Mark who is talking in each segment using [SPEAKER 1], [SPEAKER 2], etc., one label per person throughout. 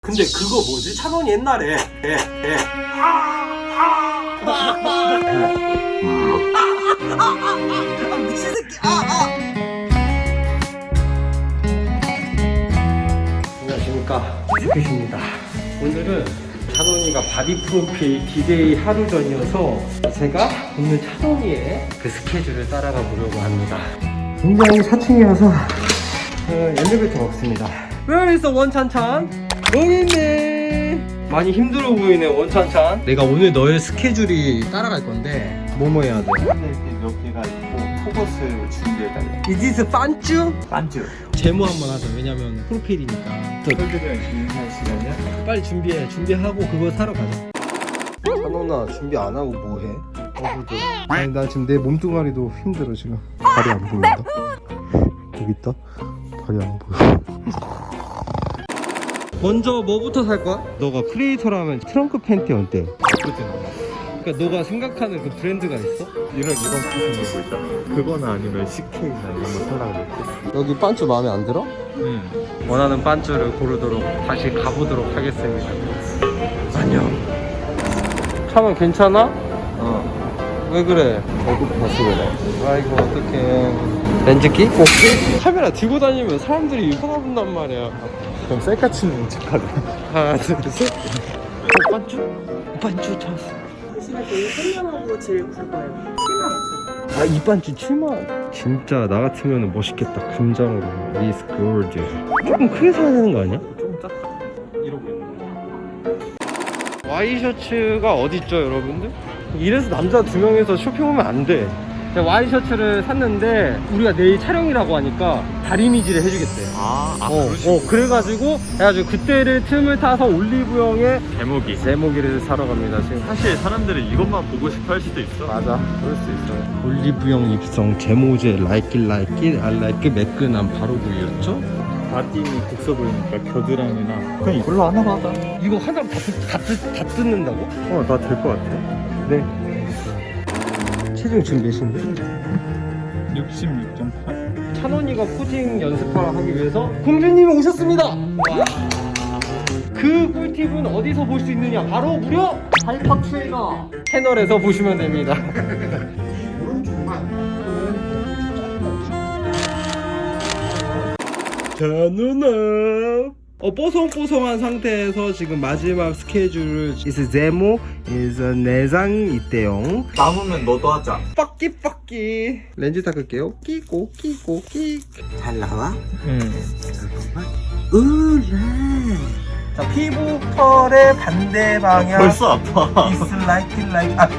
[SPEAKER 1] 근데 그거 뭐지? 찬원이 옛날에 미친 새끼 안녕하십니까, 스켓입니다. 오늘은 찬원이가 바디 프로필 디데이 하루 전이어서 제가 오늘 찬원이의 그 스케줄을 따라가 보려고 합니다. 굉장히 4층이어서 엘리베이터가 없습니다. Where is the 원찬찬? 여기 있네. 많이 힘들어 보이네 원찬찬. 내가 오늘 너의 스케줄이 따라갈 건데 뭐뭐 해야 돼?
[SPEAKER 2] 몇 개가 있고 속옷을 준비해달래.
[SPEAKER 1] Is this 반쭈?
[SPEAKER 2] 반주.
[SPEAKER 1] 제모 한번 하자. 왜냐면 프로필이니까.
[SPEAKER 2] 털들이랑 준비할 시간이야?
[SPEAKER 1] 빨리 준비해. 준비하고 그거 사러 가자. 찬원아, 준비 안 하고 뭐 해? 아니 나 지금 내 몸뚱아리도 힘들어 지금. 발이 안 보인다. 여기 있다. 발이 안 보여. 먼저 뭐부터 살 거야? 너가 크리에이터라면 트렁크 팬티 어때?
[SPEAKER 2] 예쁘진 않아.
[SPEAKER 1] 그러니까 너가 생각하는 그 브랜드가 있어?
[SPEAKER 2] 이런 핏 생긴 거 있잖아. 그거나 아니면 CK나 이런 거 살라고 했겠어.
[SPEAKER 1] 여기 반쭈 마음에 안 들어?
[SPEAKER 2] 응.
[SPEAKER 1] 원하는 반쭈를 고르도록 다시 가보도록 하겠습니다. 안녕. 차는 괜찮아? 왜 그래?
[SPEAKER 2] 배고파서 그래.
[SPEAKER 1] 아이고 어떡해. 렌즈 끼고 카메라 들고 다니면 사람들이 쳐다본단 말이야.
[SPEAKER 2] 그럼 셀카 치는 척하자.
[SPEAKER 1] 하나 둘셋. 반쭈 찾았어.
[SPEAKER 3] 보시면 되게 선명하고 제일 굵어요. 7만 5천.
[SPEAKER 1] 아, 이 반쭈 7만. 진짜 나 같으면 멋있겠다. 금장으로. It's gorgeous. 조금 크게 사야 되는 거 아니야?
[SPEAKER 2] 좀 작다. 이러고 있는
[SPEAKER 1] 와이셔츠가 어딨죠 여러분들? 이래서 남자 2명에서 쇼핑 오면 안 돼. 제가 와이셔츠를 샀는데 우리가 내일 촬영이라고 하니까 다리미질을 해주겠대. 그래가지고 그때를 틈을 타서 올리브영에
[SPEAKER 2] 제목이.
[SPEAKER 1] 제모기를 사러 갑니다 지금.
[SPEAKER 2] 사실 사람들이 이것만 보고 싶어 할 수도 있어.
[SPEAKER 1] 맞아, 그럴 수 있어요. 올리브영 입성 제모제 like I like 매끈한 바로 굴렸죠?
[SPEAKER 2] 바디미 국서 보이니까 겨드랑이나 그냥 이걸로 하나 받아.
[SPEAKER 1] 이거 하나 다 뜯는다고?
[SPEAKER 2] 나 될 것 같아.
[SPEAKER 1] 네. 체중 지금 몇인데?
[SPEAKER 2] 66.8.
[SPEAKER 1] 찬원이가 포징 연습하러 하기 위해서 공주님이 오셨습니다. 그 꿀팁은 어디서 볼 수 있느냐? 바로 무려 하이퍼 트레이너 채널에서 보시면 됩니다. 찬원아, 뽀송뽀송한 상태에서 지금 마지막 스케줄을 is 제모 is 내장 있대요.
[SPEAKER 2] 남으면 너도 하자.
[SPEAKER 1] 빠끼 렌즈 닦을게요. 끼고 잘 나와?
[SPEAKER 2] 응.
[SPEAKER 1] 으라. 자, 피부 컬의 반대 방향.
[SPEAKER 2] 벌써 아파.
[SPEAKER 1] is like 아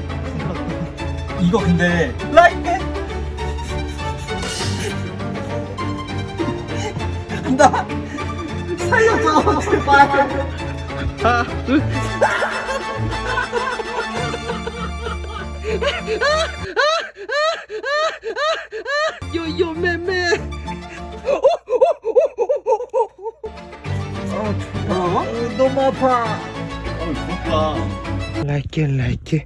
[SPEAKER 1] 이거 근데 like it 한다. 살려줘 제발. 하나 둘. 요요 매매. 너무 아파.
[SPEAKER 2] 좋다.
[SPEAKER 1] like it.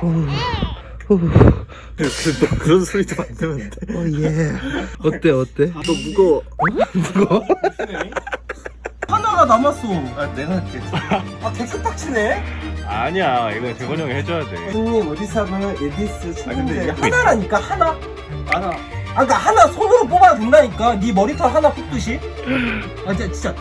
[SPEAKER 2] 너 그런 소리도 만들면 돼.
[SPEAKER 1] 예. 어때?
[SPEAKER 2] 너 무거워.
[SPEAKER 1] 무거워? 하나가 남았어.
[SPEAKER 2] 내가 할게.
[SPEAKER 1] 개수 빡치네.
[SPEAKER 2] 아니야, 이거 재건이 형이 해줘야 돼.
[SPEAKER 1] 손님 어디서 하면 에디스
[SPEAKER 2] 근데
[SPEAKER 1] 쳤는데 하나라니까 하나. 그러니까 하나 손으로 뽑아도 된다니까. 네 머리털 하나 뽑듯이. 진짜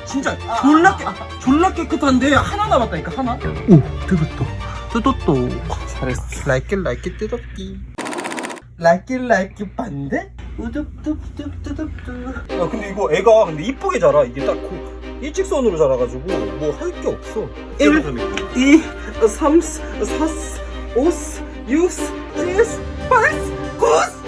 [SPEAKER 1] 졸라 깨끗한데 하나 남았다니까 하나. 오, 뜯었다. 잘했어. like it 뜯었기. like it 반대. 우둡. 근데 이거 애가 근데 이쁘게 자라. 이게 딱 일직선으로 자라가지고 뭐 할 게 없어. 1, 2, 3, 4, 5, 6, 7, 8, 9.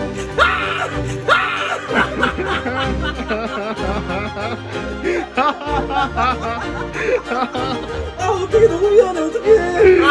[SPEAKER 1] 어떡해, 너무 미안해. 어떡해.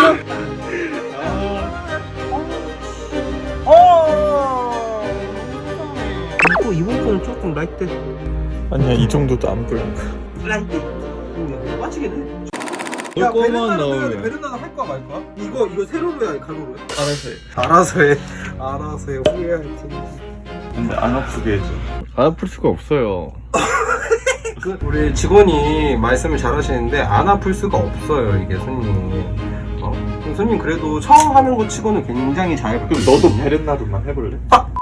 [SPEAKER 1] 이번 거는 조금 라이트.
[SPEAKER 2] 아니야, 이 정도도 안 보여.
[SPEAKER 1] 라이트. 맞추겠네.
[SPEAKER 2] 야, 넣으면.
[SPEAKER 1] 베른나도 할 거야 말 거야? 이거 세로로 해, 가로로 해?
[SPEAKER 2] 알아서 해.
[SPEAKER 1] 알아서 해. 후회할 테니.
[SPEAKER 2] 근데 안 아프게 해줘.
[SPEAKER 4] 안 아플 수가 없어요.
[SPEAKER 1] 우리 직원이 말씀을 잘 하시는데 안 아플 수가 없어요, 이게 손님. 손님 그래도 처음 하는 거 치고는 굉장히 잘
[SPEAKER 2] 그럼 너도 베렌나르만 해볼래?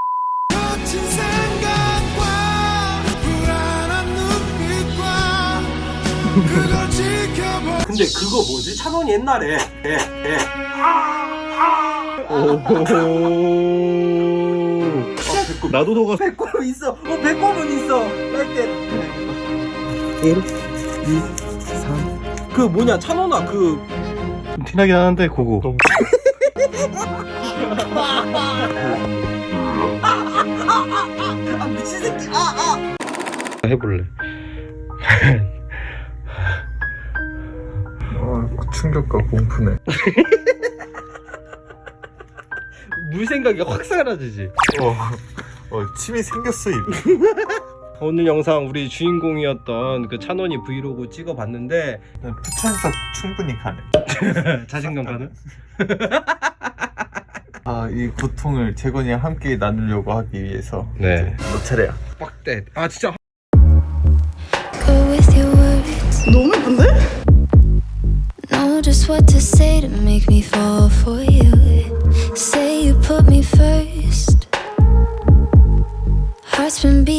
[SPEAKER 1] 근데 그거 뭐지? 찬원이 옛날에
[SPEAKER 2] 나도 너가
[SPEAKER 1] 배꼽 있어. 배꼽은 있어. 할때 1, 2, 3. 그 뭐냐, 찬원아 그
[SPEAKER 2] 좀 티나긴 하는데 그거
[SPEAKER 1] 미친 새끼.
[SPEAKER 2] 해볼래? 충격과 공포네.
[SPEAKER 1] 물 생각이 확 사라지지.
[SPEAKER 2] 침이 생겼어 입에.
[SPEAKER 1] 오늘 영상 우리 주인공이었던 그 찬원이 브이로그 찍어봤는데
[SPEAKER 2] 부천에서 충분히 가네.
[SPEAKER 1] 자신감 가는?
[SPEAKER 2] 이 고통을 재건이와 함께 나누려고 하기 위해서
[SPEAKER 1] 네.
[SPEAKER 2] 너 차례야.
[SPEAKER 1] 빡대. 진짜.
[SPEAKER 4] Go with your words.
[SPEAKER 3] 너무 예쁜데?
[SPEAKER 4] Know just what to say to make me fall for you. Say you put me first. Heart's been beating.